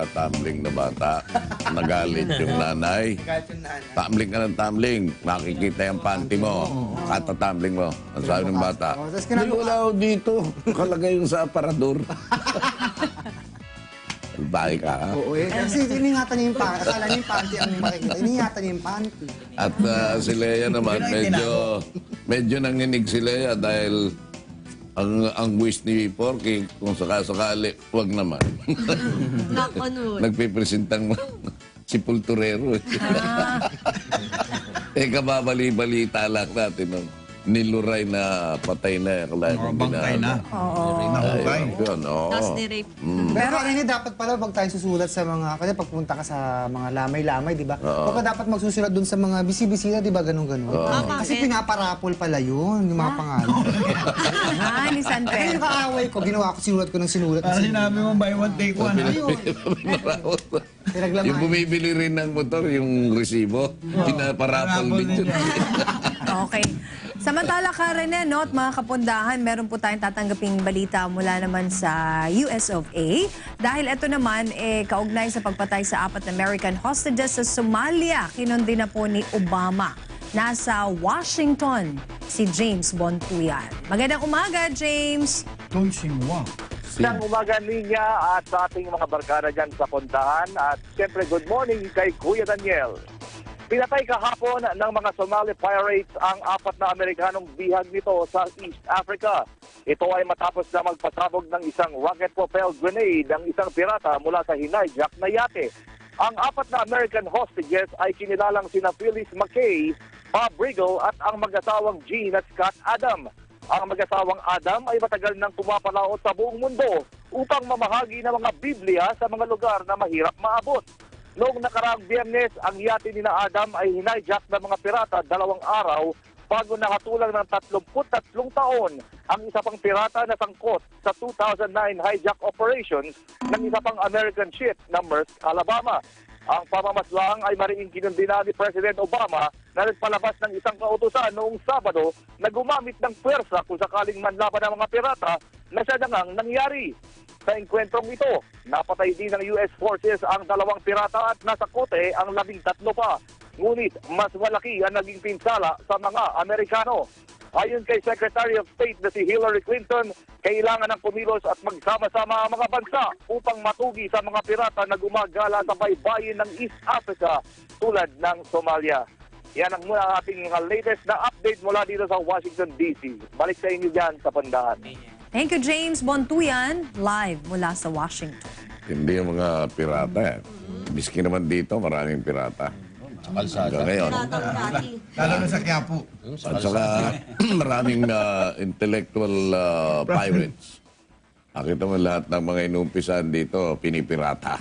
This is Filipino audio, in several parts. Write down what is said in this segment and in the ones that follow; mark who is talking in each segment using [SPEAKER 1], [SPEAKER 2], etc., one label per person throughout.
[SPEAKER 1] tumbling na bata. Nagalit yung nanay. Tumbling ka ng tumbling. Makikita yung panty mo. Katatumbling mo. Ang sabi ng bata, "Ay, wala ako dito. Nakalagay yung sa aparador." Bahay ka, ha?
[SPEAKER 2] Oo, kasi iningatan niya yung panty. Akala niya yung panty ang makikita. Iningatan niya yung panty.
[SPEAKER 1] At si Lea naman, medyo nanginig si Lea dahil ang wish ni Porky, kung sakasakali, wag naman. Nagpipresentang si Pulturero. Kababali-balita lang natin. No? Niluray na patay na.
[SPEAKER 3] Bangkay na. Nahukay.
[SPEAKER 4] Tapos ni-rape.
[SPEAKER 2] Pero ano dapat pala wag tayong susulat sa mga, kasi pagpunta ka sa mga lamay-lamay, di ba? Huwag ka dapat magsusulat dun sa mga bisibisita, di ba? Ganun-ganun. Kasi pinaparapol pala yun, yung mga pangalan.
[SPEAKER 5] Ni San
[SPEAKER 2] Kaya yung kaaway ko, ginawa ko, sinulat ko ng sinulat.
[SPEAKER 3] Para sinabi mo, buy one, take one.
[SPEAKER 1] Yung bumibili rin ng motor, yung resibo, pinaparapol din yun.
[SPEAKER 5] Okay. Samantala, Karen, no, at mga kapundahan, meron po tayong tatanggaping balita mula naman sa US of A. Dahil ito naman, kaugnay sa pagpatay sa 4 American hostages sa Somalia. Kinundi na po ni Obama. Nasa Washington, si James Bontuyan. Magandang umaga, James!
[SPEAKER 3] Tonsingwa.
[SPEAKER 6] Magandang umaga niya at sa ating mga barkada dyan sa puntahan. At siyempre, good morning kay Kuya Daniel. Pinatay kahapon ng mga Somali pirates ang 4 na Amerikanong bihag nito sa East Africa. Ito ay matapos na magpasabog ng isang rocket-propelled grenade ang isang pirata mula sa hinijack na yate. Ang 4 na American hostages ay kinilalang sina Phyllis McKay, Bob Riggle at ang mag-asawang Jean at Scott Adam. Ang mag-asawang Adam ay matagal nang pumapalaot sa buong mundo upang mamahagi ng mga Biblia sa mga lugar na mahirap maabot. Noong nakaraang Biyernes, ang yate ni na Adam ay hinijack ng mga pirata 2 araw bago nakatulang ng 33 taon ang isa pang pirata na sangkot sa 2009 hijack operations ng isa pang American ship na Maersk, Alabama. Ang pamamaslang ay mariing kinundina ni President Obama na nagpalabas ng isang kautusan noong Sabado na gumamit ng pwersa kung sakaling manlaban ng mga pirata na siya na ngang nangyari. Sa engkwentrong ito, napatay din ng US forces ang 2 pirata at nasa kote ang 13 pa. Ngunit mas malaki ang naging pinsala sa mga Amerikano. Ayon kay Secretary of State na si Hillary Clinton, kailangan ng kumilos at magsama-sama ang mga bansa upang matugi sa mga pirata na gumagala sa baybayin ng East Africa tulad ng Somalia. Yan ang muna ating latest na update mula dito sa Washington, D.C. Balik sa inyo dyan sa Pandahan.
[SPEAKER 5] Thank you, James Bontuyan, live mula sa Washington.
[SPEAKER 1] Hindi yung mga pirata. Miski naman dito, maraming pirata. Hanggang ngayon.
[SPEAKER 3] Lalo na sa Quiapo.
[SPEAKER 1] At saka maraming intellectual pirates. Nakita mo lahat ng mga inumpisan dito, pinipirata.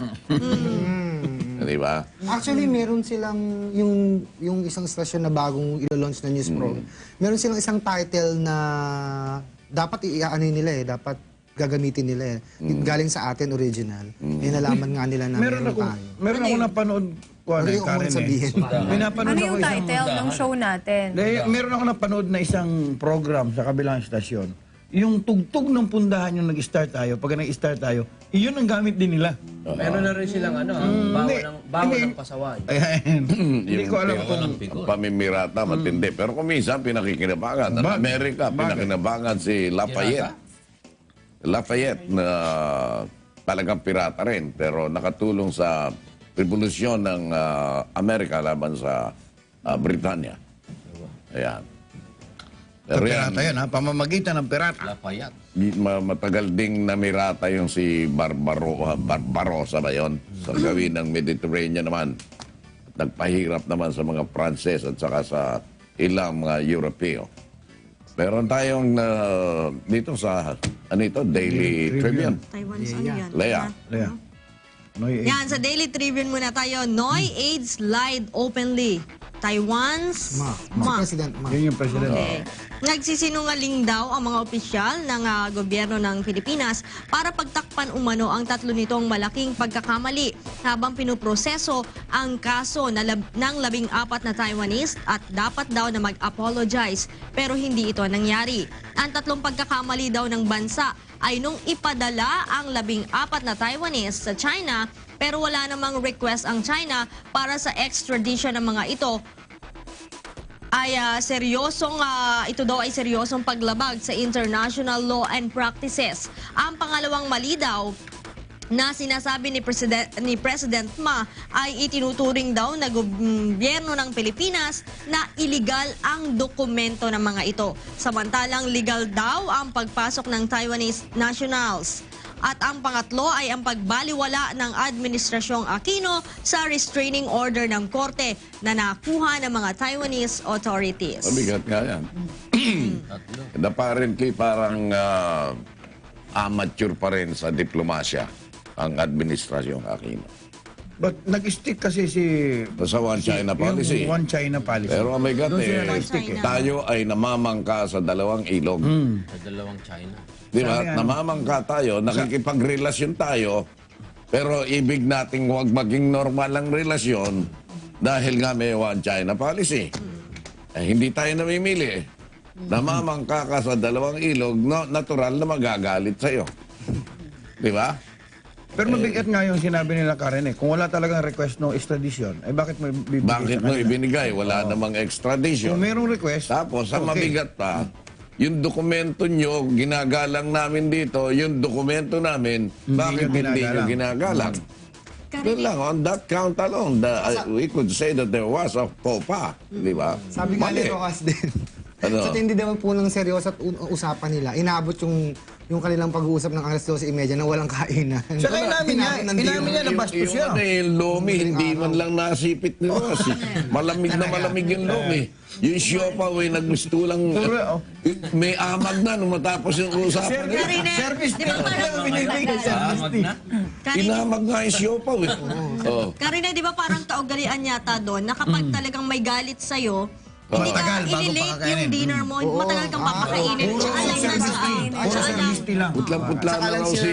[SPEAKER 1] Di ba?
[SPEAKER 2] Actually, meron silang, yung isang stasyon na bagong ilo-launch na news program, meron silang isang title na dapat i-ano nila dapat gagamitin nila galing sa atin original. Nalaman nga nila na meron tayo.
[SPEAKER 3] Meron ako napanood ko Karen
[SPEAKER 5] Ano yung title ng show natin?
[SPEAKER 3] Meron ako napanood na isang program sa kabilang estasyon. Yung tugtog ng pundahan yung nag-start tayo, pag nag-start tayo, iyon ang gamit din nila.
[SPEAKER 7] Meron na rin silang bago ng pasaway.
[SPEAKER 3] Hindi ko alam kung
[SPEAKER 1] ang pamimirata, matindi. Pero kung minsan, pinakikinabangan. Ang Amerika, pinakinabangan si Lafayette. Lafayette na talagang pirata rin, pero nakatulong sa revolusyon ng Amerika laban sa Britanya. Ayan.
[SPEAKER 3] Pero pirata yan, ha? Pamamagitan ng pirata.
[SPEAKER 7] Lafayette.
[SPEAKER 1] Matagal ding namirata yung si Barbarossa ba yun? Sa gawin ng Mediterranean naman. At nagpahirap naman sa mga Pranses at saka sa ilang mga Europeo. Meron tayong dito sa Daily Tribune.
[SPEAKER 4] Taiwan's ano yan?
[SPEAKER 1] Lea.
[SPEAKER 4] Yan, sa Daily Tribune muna tayo. Noy AIDS lied openly. Taiwan's Ma.
[SPEAKER 2] President Ma.
[SPEAKER 3] Yun yung president.
[SPEAKER 4] Okay. Nagsisinungaling daw ang mga opisyal ng gobyerno ng Pilipinas para pinag-uusapan umano ang tatlo nitong malaking pagkakamali habang pinuproseso ang kaso ng 14 na Taiwanese at dapat daw na mag-apologize pero hindi ito nangyari. Ang tatlong pagkakamali daw ng bansa ay nung ipadala ang 14 na Taiwanese sa China pero wala namang request ang China para sa extradition ng mga ito ay ito daw ay seryosong paglabag sa international law and practices. Ang pangalawang mali daw na sinasabi ni President Ma ay itinuturing daw na gobyerno ng Pilipinas na illegal ang dokumento ng mga ito. Samantalang legal daw ang pagpasok ng Taiwanese nationals. At ang pangatlo ay ang pagbaliwala ng Administrasyong Aquino sa restraining order ng korte na nakuha ng mga Taiwanese authorities.
[SPEAKER 1] Mabigat nga yan. Apparently parang amateur pa rin sa diplomasya ang Administrasyong Aquino.
[SPEAKER 3] But nag-stick kasi
[SPEAKER 1] Sa One China policy.
[SPEAKER 3] Yung One China policy.
[SPEAKER 1] Pero my God,
[SPEAKER 3] Doon sila nag-stick eh.
[SPEAKER 1] tayo ay namamangka sa dalawang ilog.
[SPEAKER 7] Sa dalawang China.
[SPEAKER 1] Di ba?
[SPEAKER 3] Sabi nga,
[SPEAKER 1] Namamangka tayo, nakikipagrelasyon tayo, pero ibig nating huwag maging normal ang relasyon dahil nga may One China policy. Hindi tayo namimili. Namamangka ka sa dalawang ilog, natural na magagalit sa'yo. Di ba?
[SPEAKER 3] Pero mabigat nga yung sinabi nila Karen Kung wala talagang request no extradition, ay bakit mo bibigay
[SPEAKER 1] Bakit
[SPEAKER 3] sa
[SPEAKER 1] mo
[SPEAKER 3] kanila?
[SPEAKER 1] ibinigay? Wala namang
[SPEAKER 3] Kung
[SPEAKER 1] extradition.
[SPEAKER 3] merong request,
[SPEAKER 1] Tapos, ang
[SPEAKER 3] okay.
[SPEAKER 1] mabigat pa, yung dokumento nyo, ginagalang namin dito, yung dokumento namin, bakit
[SPEAKER 3] nyo
[SPEAKER 1] hindi nyo ginagalang? Doon lang, on that count alone, we could say that there was a faux pas, di ba?
[SPEAKER 2] Sabi nga ni
[SPEAKER 1] Mali.
[SPEAKER 2] Rojas din.
[SPEAKER 1] Ano?
[SPEAKER 2] Sa tindi naman po ng seryoso at usapan nila, inabot yung kanilang pag-uusap ng alas 12:30 na walang kainan.
[SPEAKER 3] Saka inamin niya, inamin niya na bastos siya.
[SPEAKER 1] Yung lomi, hindi man lang nasipit ni Ross. Malamig na malamig yung lomi. Yung siopa, naggusto lang, may amag na nung matapos yung usapan nila.
[SPEAKER 4] Karine,
[SPEAKER 3] Service
[SPEAKER 4] di ba parang
[SPEAKER 3] binibigay service fee.
[SPEAKER 1] Inamag nga yung siopa, Oh.
[SPEAKER 4] Karine, di ba parang kaugalian yata doon na kapag talagang may galit sa'yo, hindi
[SPEAKER 3] Matagal
[SPEAKER 4] ka
[SPEAKER 3] bago
[SPEAKER 4] ililate
[SPEAKER 3] pakakainin.
[SPEAKER 4] yung dinner mo, matagal kang papakainin. Tsaka lang
[SPEAKER 3] Puro service fee lang.
[SPEAKER 1] Putlang-putla na raw si...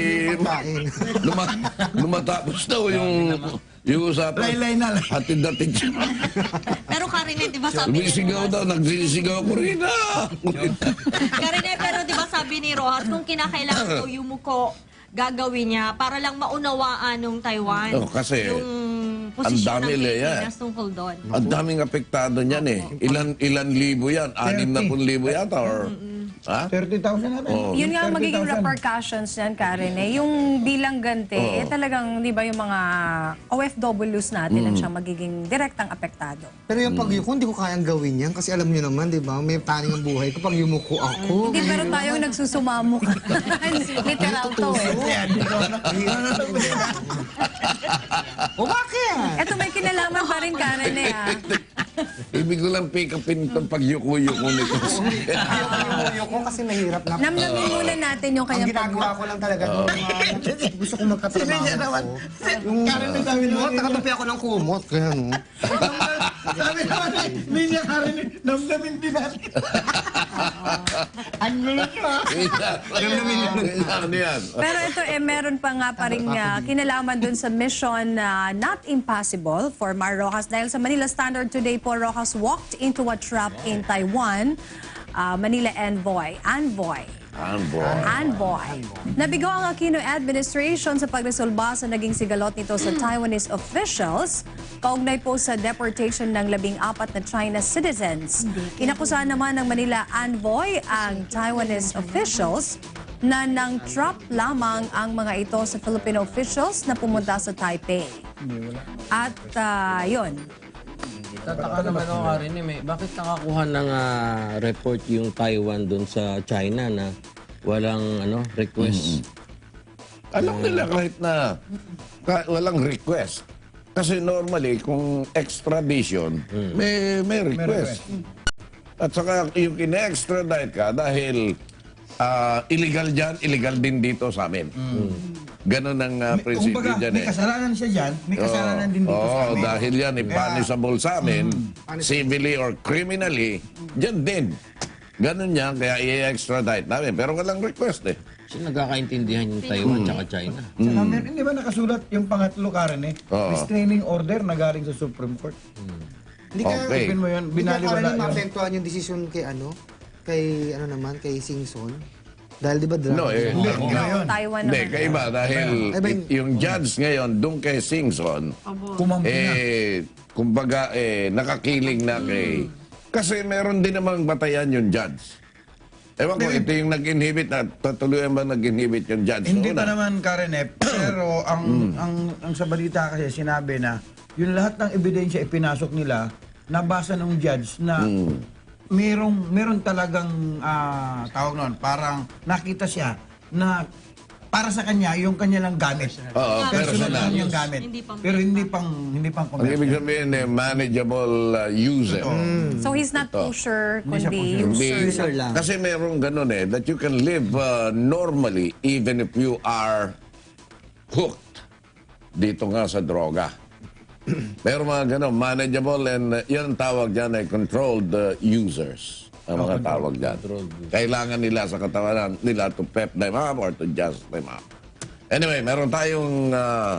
[SPEAKER 1] Lumatapos daw yung usapan.
[SPEAKER 3] Laylay na lang.
[SPEAKER 1] Hatid-hatid siya.
[SPEAKER 4] Pero Karine, di ba sabi ni
[SPEAKER 1] Sumisigaw daw, nagsisigaw ko rin
[SPEAKER 4] Karine, pero di ba sabi ni Rojas, kung kinakailangan daw yumuko, gagawin niya para lang maunawaan ng Taiwan
[SPEAKER 1] Oh, kasi
[SPEAKER 4] yung posisyon
[SPEAKER 1] ang dami
[SPEAKER 4] ng
[SPEAKER 1] nila yan.
[SPEAKER 4] Pilipinas tungkol doon.
[SPEAKER 1] Ang daming apektado niyan eh. Ilan libo yan? 60,000 yata or... Ha?
[SPEAKER 3] 30,000 na rin.
[SPEAKER 1] Oo.
[SPEAKER 5] Yun nga ang magiging
[SPEAKER 3] 30,000.
[SPEAKER 5] repercussions niyan, Karen. Yung bilang ganti, talagang, di ba, yung mga OFWs natin ang siyang magiging direktang apektado.
[SPEAKER 2] Pero yung pagyuko, hindi ko kayang gawin yan kasi alam niyo naman, di ba, may taning ang buhay ko pag yumuko ako.
[SPEAKER 5] Hindi, pero tayo nagsusumamok. Literal to
[SPEAKER 2] O bakit?
[SPEAKER 5] Eto, may kinalaman pa rin, Karen
[SPEAKER 1] Ibig ko lang pick upin itong pagyuko-yuko nito.
[SPEAKER 2] Yumuko kasi mahirap na.
[SPEAKER 5] Namnamin muna natin yung
[SPEAKER 2] Ang
[SPEAKER 5] kanyang
[SPEAKER 2] ginagawa ko lang talaga, yung mga gusto ko magkatrabaho ko. Yung nakatupi ako ng kumot, kaya no.
[SPEAKER 3] Sabi naman, hindi niya Karen, namnamin din natin. Ang gulo nyo.
[SPEAKER 1] Ano yan?
[SPEAKER 5] Pero ito meron pa nga pa rin kinalaman dun sa mission na not impossible for Mar Rojas dahil sa Manila Standard today po, Rojas walked into a trap in Taiwan. Manila Envoy. Nabigo ang Aquino administration sa pagresolba sa naging sigalot nito sa Taiwanese officials kaugnay po sa deportation ng 14 na China citizens. Inakusahan naman ng Manila Envoy ang Taiwanese officials na nang trap lamang ang mga ito sa Filipino officials na pumunta sa Taipei. At yun.
[SPEAKER 7] Tataka naman ako Karen bakit nakakuha ng report yung Taiwan doon sa China na walang request?
[SPEAKER 1] Alam nila kahit na walang request. Kasi normally, kung extradition, may request. At saka yung kine-extradite ka dahil illegal dyan, illegal din dito sa amin. Ganon ang prinsipyo
[SPEAKER 3] Kumbaga,
[SPEAKER 1] dyan
[SPEAKER 3] may
[SPEAKER 1] eh.
[SPEAKER 3] kasalanan siya dyan, may kasalanan din dito sa amin.
[SPEAKER 1] Dahil yan, punishable sa amin, civilly or criminally, dyan din. Ganun yan, kaya i-extradite namin. Pero walang request eh.
[SPEAKER 7] Kasi nagkakaintindihan yung Taiwan tsaka China.
[SPEAKER 3] Saka hindi ba nakasulat yung pangatlo, Karen eh?
[SPEAKER 1] Oo.
[SPEAKER 3] Restraining order na galing sa Supreme Court.
[SPEAKER 2] Hindi kaya,
[SPEAKER 1] Okay.
[SPEAKER 3] Open mo yun,
[SPEAKER 2] hindi kaya
[SPEAKER 3] binaliwala
[SPEAKER 2] Karen,
[SPEAKER 3] yun.
[SPEAKER 2] maapektuhan yung desisyon kay Singson. Dahil di ba drug?
[SPEAKER 1] No, eh.
[SPEAKER 3] Hindi,
[SPEAKER 5] No,
[SPEAKER 3] ngayon.
[SPEAKER 5] Taiwan
[SPEAKER 1] Hindi,
[SPEAKER 5] naman.
[SPEAKER 1] kaiba dahil
[SPEAKER 2] Ay, ba yung-
[SPEAKER 1] yung judge ngayon, doon kay Singson,
[SPEAKER 3] Kumampi na.
[SPEAKER 1] kumbaga, nakakiling na kay... Kasi meron din namang batayan yung judge. Ewan ko, ito yung nag-inhibit na, tutuloy ba nag-inhibit yung judge?
[SPEAKER 3] Hindi
[SPEAKER 1] noon,
[SPEAKER 3] pa
[SPEAKER 1] ah?
[SPEAKER 3] naman, Karen eh. Pero ang sa balita kasi sinabi na yung lahat ng ebidensya ipinasok nila, nabasa ng judge na meron talagang tawag noon, parang nakita siya na para sa kanya yung kanya lang gamit.
[SPEAKER 1] Oo,
[SPEAKER 3] Personal
[SPEAKER 1] personal.
[SPEAKER 3] lang yung gamit.
[SPEAKER 4] Hindi pang-
[SPEAKER 3] Pero hindi pang
[SPEAKER 1] Ang ibig
[SPEAKER 3] commercial.
[SPEAKER 1] sabihin, manageable user.
[SPEAKER 5] So he's not pusher,
[SPEAKER 3] Hindi siya
[SPEAKER 5] kundi
[SPEAKER 3] pusher.
[SPEAKER 5] user.
[SPEAKER 1] Kasi merong ganun that you can live normally even if you are hooked dito nga sa droga. Pero mga ganun, manageable and yan ang tawag dyan ay controlled users. Ang mga tawag dyan. Kailangan nila sa katawan nila to pep them up or to just them up. Anyway, meron tayong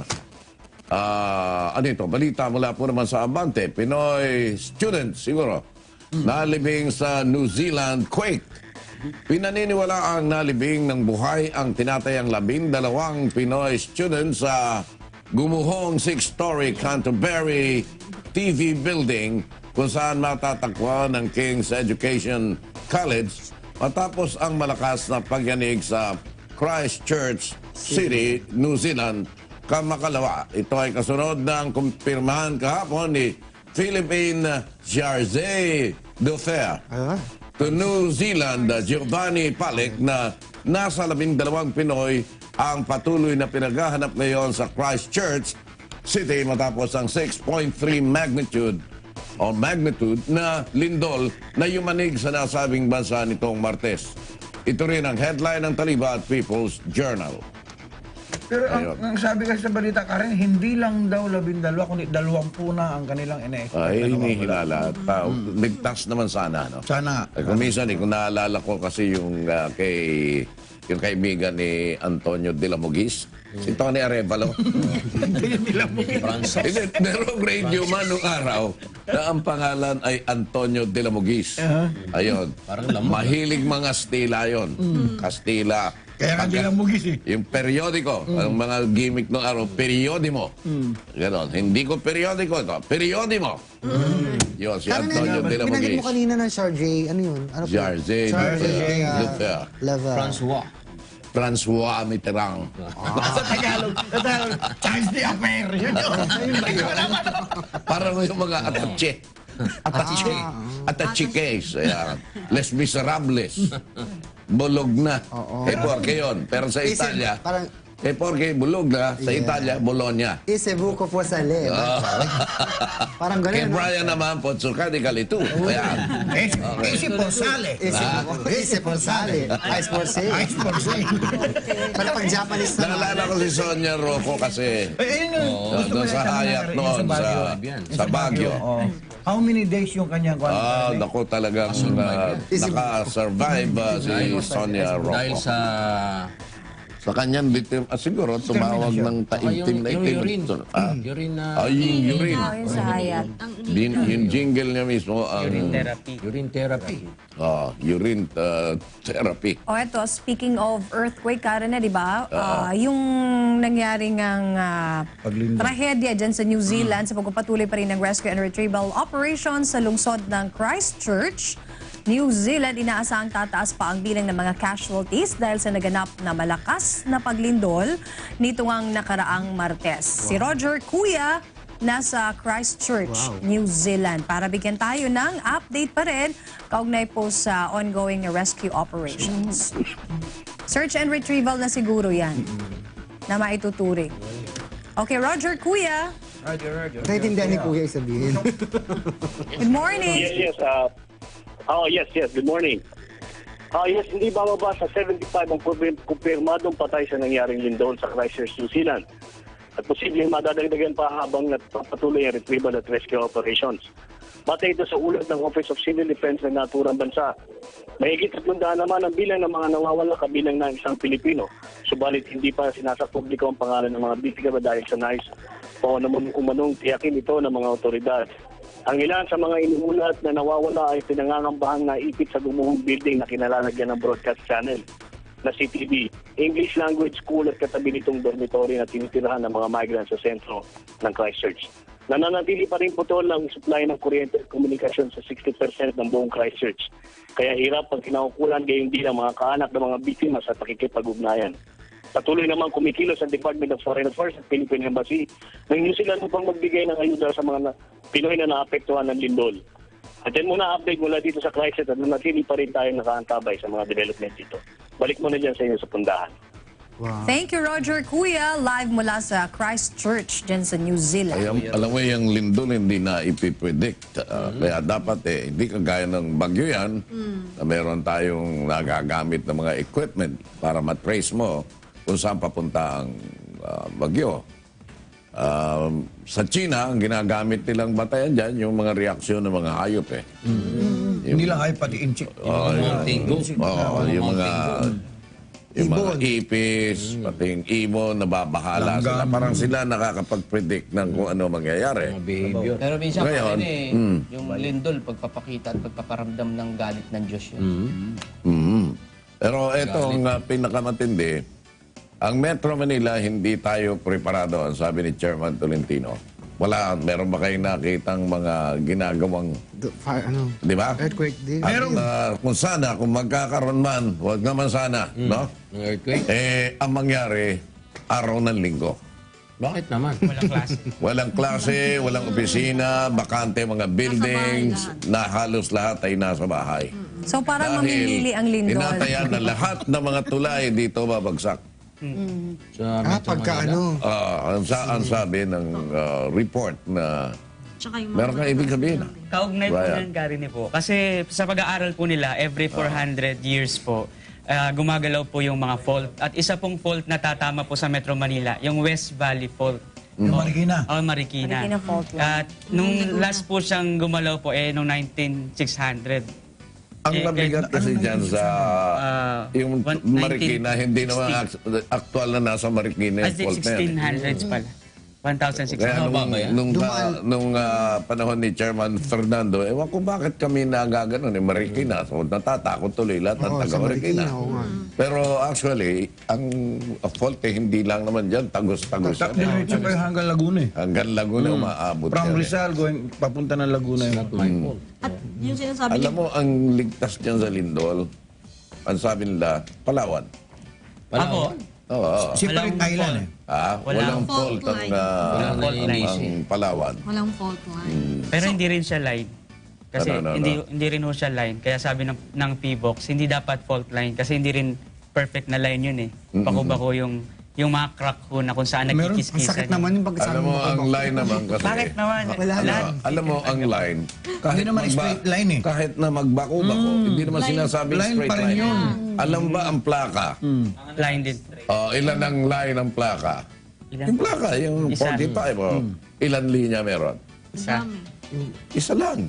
[SPEAKER 1] balita mula po naman sa Abante. Pinoy students siguro nalibing sa New Zealand quake. Pinaniniwala ang nalibing ng buhay ang tinatayang 12 Pinoy students sa gumuhong 6-story Canterbury TV building kung saan matatagpuan ng King's Education College matapos ang malakas na pagyanig sa Christchurch City, New Zealand, kamakalawa. Ito ay kasunod ng kumpirmahan kahapon ni Philippine Jarze Dufer to New Zealand, Giovanni Palik, na nasa 12 Pinoy ang patuloy na pinaghahanap ngayon sa Christchurch City matapos ang 6.3 magnitude na lindol na yumanig sa nasabing bansa nitong Martes. Ito rin ang headline ng Taliba at People's Journal.
[SPEAKER 3] Pero
[SPEAKER 1] Ayun.
[SPEAKER 3] ang sabi kasi sa balita, Karen, hindi lang daw 12, kundi 20 na ang kanilang ina-expect.
[SPEAKER 1] Ay,
[SPEAKER 3] na nawawala.
[SPEAKER 1] hinihilala. Ligtas naman sana, no?
[SPEAKER 3] Sana.
[SPEAKER 1] Kung minsan, kung naalala ko kasi yung kaibigan ni Antonio de la Mugis, si Tony Arevalo. Hindi, merong radio man nung araw na ang pangalan ay Antonio de la Mugis. Ayun.
[SPEAKER 7] Parang lamok.
[SPEAKER 1] Mahilig mga Kastila yun. Kastila.
[SPEAKER 3] Kaya nga lang mugis eh.
[SPEAKER 1] Yung periodiko, ang mga gimmick ng araw, periodimo. Ganon. Hindi ko periodiko ito. Periodimo. Yun, si
[SPEAKER 2] Karen,
[SPEAKER 1] Antonio de la
[SPEAKER 2] pinanggit
[SPEAKER 1] Mugis.
[SPEAKER 2] mo kanina ng Charge, ano yun? Ano po?
[SPEAKER 1] Jarze Dufer.
[SPEAKER 5] Francois.
[SPEAKER 1] François Mitterrand.
[SPEAKER 3] Sa Tagalog, Charles de Afer. Yun yun.
[SPEAKER 1] Parang yung mga atache. Atache-case. Ayan. Les Miserables. Bulog na. Porque yun. Pero sa Italia,
[SPEAKER 2] Parang,
[SPEAKER 1] porque bulog na. Sa Italia, Bologna.
[SPEAKER 2] ise buko po sa le. Parang
[SPEAKER 1] Kay
[SPEAKER 2] gano'n. no?
[SPEAKER 1] Brian naman, Potsuka di Kalitu. Ayan.
[SPEAKER 3] Isi por sale.
[SPEAKER 2] Ise por sale. Ice por sale.
[SPEAKER 3] Ice por sale.
[SPEAKER 2] Para pag Japanese naman.
[SPEAKER 1] Naalala ko si Sonia Rocco kasi
[SPEAKER 3] Eh, yun yung gusto ko
[SPEAKER 1] doon sa
[SPEAKER 3] yung tanong
[SPEAKER 1] Hayat
[SPEAKER 3] na-
[SPEAKER 1] noon,
[SPEAKER 3] yung Baguio.
[SPEAKER 1] sa Baguio.
[SPEAKER 3] Oh. How many days yung kanyang kwan?
[SPEAKER 1] Naku talagang naka-survive si Sonia
[SPEAKER 7] Dahil
[SPEAKER 1] Rocco.
[SPEAKER 7] sa
[SPEAKER 1] kanyang victim, siguro tumawag ng taimtim na itim.
[SPEAKER 7] urine na
[SPEAKER 1] Yung urine.
[SPEAKER 5] Yun sa hayat.
[SPEAKER 1] Yung jingle niya mismo, ang
[SPEAKER 7] urine therapy.
[SPEAKER 1] urine therapy.
[SPEAKER 5] O eto, speaking of earthquake, Karen, di ba? Yung nangyari ngang
[SPEAKER 3] Paglindol.
[SPEAKER 5] trahedya dyan sa New Zealand sa pagpapatuloy pa rin ng rescue and retrieval operations sa lungsod ng Christchurch, New Zealand, inaasahang tataas pa ang bilang ng mga casualties dahil sa naganap na malakas na paglindol nito ngang nakaraang Martes. Si Roger Kuya nasa Christchurch, New Zealand. Para bigyan tayo ng update pa rin kaugnay po sa ongoing rescue operations. Search and retrieval na siguro yan na maituturing. Okay, Roger Kuya.
[SPEAKER 2] Naintindihan ni Kuya isabihin.
[SPEAKER 5] Good morning.
[SPEAKER 6] Yes. Yes. Good morning. Yes, hindi bababa sa 75 ang kumpirmadong patay sa nangyaring lindol sa Christchurch, New Zealand. At posibleng madadagdagan pa habang patuloy ang retrieval at rescue operations.
[SPEAKER 8] Batay ito sa ulat ng Office of Civil Defense ng naturang bansa. Mahigit 300 naman ang bilang ng mga nawawala kabilang ng isang Pilipino. Subalit hindi pa sinasapubliko ang pangalan ng mga biktima dahil sa nais o umanong tiyakin ito ng mga otoridad. Ang ilan sa mga inuulat na nawawala ay pinangangambahang naipit sa gumuhong building na kinalalagyan ng broadcast channel na CTV, English Language School at katabi nitong dormitory na tinitirahan ng mga migrants sa sentro ng Christchurch. Nananatili pa rin po ito ang supply ng kuryente at komunikasyon sa 60% ng buong Christchurch. Kaya hirap pag kinaukulan gayon din ang mga kaanak ng mga biktima sa pakikipag-ugnayan. Patuloy naman kumikilos ang Department of Foreign Affairs at Philippine Embassy ng New Zealand upang magbigay ng ayuda sa mga Pinoy na naapektuhan ng lindol. At yan muna update mula dito sa Christchurch at nanatili pa rin tayong nakaantabay sa mga development dito. Balik muna dyan sa inyo sa pundahan.
[SPEAKER 2] Wow.
[SPEAKER 5] Thank you, Roger Kuya. Live mula sa Christchurch, dyan sa New Zealand.
[SPEAKER 1] Alam mo, yung lindol hindi na ipipredict. Kaya dapat hindi kagaya ng bagyo yan, na meron tayong nagagamit ng mga equipment para matrace mo kung saan papunta ang bagyo. Sa China, ang ginagamit nilang batayan dyan, yung mga reaksyon ng mga hayop eh.
[SPEAKER 3] Hindi lang ay pati inchik.
[SPEAKER 1] Yung mga ipis, pati yung ibon, nababahala sila. Parang sila nakakapag-predict ng kung ano mangyayari.
[SPEAKER 7] Behavior.
[SPEAKER 9] Pero minsan
[SPEAKER 1] Ngayon,
[SPEAKER 9] yung lindol, pagpapakita at pagpaparamdam ng galit ng Diyos yun.
[SPEAKER 1] Pero ito ang pinakamatindi, ang Metro Manila, hindi tayo preparado, ang sabi ni Chairman Tolentino. Wala, meron ba kayong nakitang mga ginagawang, di ba?
[SPEAKER 2] Earthquake din.
[SPEAKER 1] At kung sana, kung magkakaroon man, huwag naman sana, no?
[SPEAKER 7] Earthquake?
[SPEAKER 1] Ang mangyari, araw ng linggo.
[SPEAKER 7] Bakit naman?
[SPEAKER 1] Walang klase, walang opisina, bakante mga buildings, na halos lahat ay nasa bahay.
[SPEAKER 5] So parang mamimili ang lindol.
[SPEAKER 1] Inatayan na lahat ng mga tulay dito babagsak.
[SPEAKER 7] Sa Metro
[SPEAKER 2] Pagka
[SPEAKER 7] Manila?
[SPEAKER 1] Ang sabi ng report na
[SPEAKER 4] Tsaka yung
[SPEAKER 1] meron kang ibig sabihin.
[SPEAKER 10] Kaugnay po
[SPEAKER 1] Ryan.
[SPEAKER 10] ng Garini po. Kasi sa pag-aaral po nila, every 400 years po, gumagalaw po yung mga fault. At isa pong fault na tatama po sa Metro Manila, yung West Valley Fault.
[SPEAKER 3] Marikina.
[SPEAKER 10] Marikina.
[SPEAKER 5] Marikina Fault line.
[SPEAKER 10] At nung last po siyang gumalaw po, nung 19600.
[SPEAKER 1] Ang mabigat kasi dyan sa yung
[SPEAKER 10] 1960.
[SPEAKER 1] Marikina, hindi naman aktual na nasa Marikina yung fault na yan.
[SPEAKER 10] 1600s pala. 1,600.
[SPEAKER 1] Kaya
[SPEAKER 7] ba yan?
[SPEAKER 1] nung panahon ni Chairman Fernando, ewan ko bakit kami nagaganon, Marikina. So natatakot tuloy lahat ng taga-Marikina. Pero actually, ang fault hindi lang naman dyan, tagos-tagos yan.
[SPEAKER 3] Diretso pa yung hanggang Laguna eh.
[SPEAKER 1] Hanggang Laguna umaabot
[SPEAKER 3] From
[SPEAKER 1] yan.
[SPEAKER 3] Rizal, papunta ng Laguna yun.
[SPEAKER 7] Not my fault.
[SPEAKER 4] At yung sinasabi
[SPEAKER 1] Alam mo, ang ligtas dyan sa Lindol, ang sabi nila, Palawan.
[SPEAKER 10] Ako,
[SPEAKER 1] Oo.
[SPEAKER 3] Separate island eh.
[SPEAKER 1] Walang fault
[SPEAKER 4] fault
[SPEAKER 1] ang,
[SPEAKER 4] line.
[SPEAKER 10] Walang fault line.
[SPEAKER 1] ang Palawan.
[SPEAKER 4] walang fault line.
[SPEAKER 10] pero hindi rin siya line. Kasi
[SPEAKER 1] Ano?
[SPEAKER 10] hindi rin ho siya line. Kaya sabi ng PBOX, hindi dapat fault line. Kasi hindi rin perfect na line yun eh. Bako-bako yung mga crack ho na kung saan
[SPEAKER 2] Ang
[SPEAKER 10] nagkikiskisan.
[SPEAKER 2] sakit naman yung pagkasabi
[SPEAKER 1] Alam mo, ang line naman kasi.
[SPEAKER 10] Bakit naman?
[SPEAKER 1] Alam mo, ang line,
[SPEAKER 3] Hindi naman straight line eh.
[SPEAKER 1] kahit na magbako-bako, hindi naman sinasabing
[SPEAKER 3] Line
[SPEAKER 1] straight
[SPEAKER 3] pa rin
[SPEAKER 1] line.
[SPEAKER 3] yun.
[SPEAKER 1] Alam ba ang plaka?
[SPEAKER 10] Line din.
[SPEAKER 1] Ilan ang line ng plaka?
[SPEAKER 10] Ilan?
[SPEAKER 1] Yung plaka, yung
[SPEAKER 10] Isa.
[SPEAKER 1] 45. Ilan linya meron?
[SPEAKER 10] Isa.
[SPEAKER 1] Isa lang.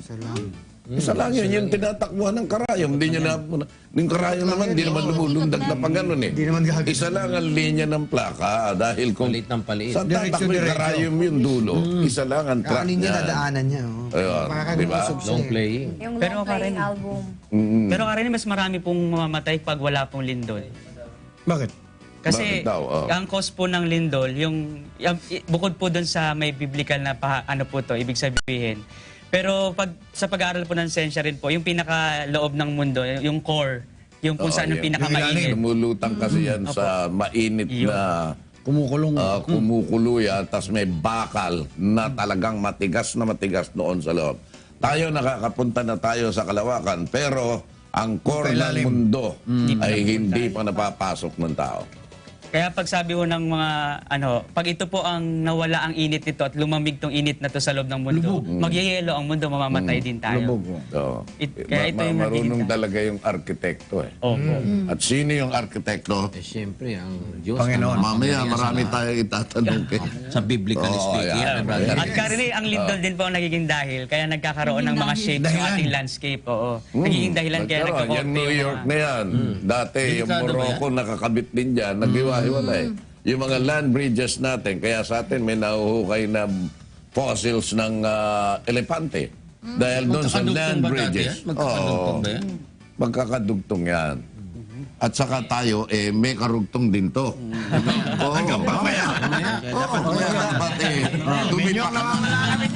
[SPEAKER 1] Isa lang yun. Yung tinatakbuhan ng karayom. Hindi niya na... Yung karayom naman, hindi naman lumulundag na pa ganun eh.
[SPEAKER 2] Hindi naman gagawin.
[SPEAKER 1] Isa lang ang linya ng plaka. Dahil kung...
[SPEAKER 7] Palit ng palit.
[SPEAKER 1] Sa tatakbo yung karayom yung dulo, isa lang ang track
[SPEAKER 2] Kaanin niya,
[SPEAKER 1] niya.
[SPEAKER 2] dadaanan niya.
[SPEAKER 1] Ayun,
[SPEAKER 2] Parang
[SPEAKER 1] di ba?
[SPEAKER 2] usog siya
[SPEAKER 7] Long
[SPEAKER 2] eh.
[SPEAKER 7] playing.
[SPEAKER 5] Yung
[SPEAKER 10] Pero
[SPEAKER 5] long playing
[SPEAKER 10] Karen-
[SPEAKER 5] album.
[SPEAKER 10] Pero Karen, mas marami pong mamamatay pag wala pong lindol.
[SPEAKER 3] Bakit?
[SPEAKER 10] Kasi
[SPEAKER 1] Bakit daw?
[SPEAKER 10] ang cause po ng lindol, bukod po doon sa may biblical na ano po to, ibig sabihin. Pero sa pag-aaral po ng sensya rin po, yung pinakaloob ng mundo, yung core, yung kung saan yung pinakamainit.
[SPEAKER 1] Lumulutang kasi yan sa mainit na
[SPEAKER 3] Kumukulong.
[SPEAKER 1] kumukulo yan, tapos may bakal na talagang matigas noon sa loob. Tayo nakakapunta na tayo sa kalawakan, pero ang core ng
[SPEAKER 3] Pailalim.
[SPEAKER 1] mundo ay hindi pa napapasok ng tao.
[SPEAKER 10] Kaya pag sabi ho ng mga pag ito po ang nawala ang init nito at lumamig tong init na to sa loob ng mundo, magyayelo ang mundo, mamamatay din tayo.
[SPEAKER 1] So,
[SPEAKER 10] Kaya ito yung
[SPEAKER 1] marunong
[SPEAKER 10] nagiging-
[SPEAKER 1] talaga yung arkitekto eh.
[SPEAKER 10] Opo.
[SPEAKER 1] At sino yung arkitekto?
[SPEAKER 7] Eh, siyempre, ang Diyos.
[SPEAKER 3] Panginoon.
[SPEAKER 1] Mamaya marami tayong itatanong kay.
[SPEAKER 7] Sa biblical
[SPEAKER 1] Oo,
[SPEAKER 7] speaking.
[SPEAKER 1] yan.
[SPEAKER 7] brother.
[SPEAKER 10] At karili, ang lindol din po ang nagiging dahil. Kaya nagkakaroon ng mga shapes yung ating landscape. Oo. Nagiging dahilan kaya
[SPEAKER 1] Nagkaroon.
[SPEAKER 10] nagkakorte
[SPEAKER 1] Yan New York na yan. Dati yung
[SPEAKER 7] Delikado ba
[SPEAKER 1] Morocco nakakabit din dyan. Naghiwa-hiwalay. Yung mga land bridges natin, kaya sa atin may nahuhukay na fossils ng elepante. Dahil doon sa
[SPEAKER 7] Magkakadugtong
[SPEAKER 1] land
[SPEAKER 7] ba dati
[SPEAKER 1] bridges.
[SPEAKER 7] yan? Magkakadugtong ba yan?
[SPEAKER 1] Magkakadugtong yan. At saka tayo, may karugtong din to. Oo. Mamaya. Oo, kaya dapat tumipak ka na.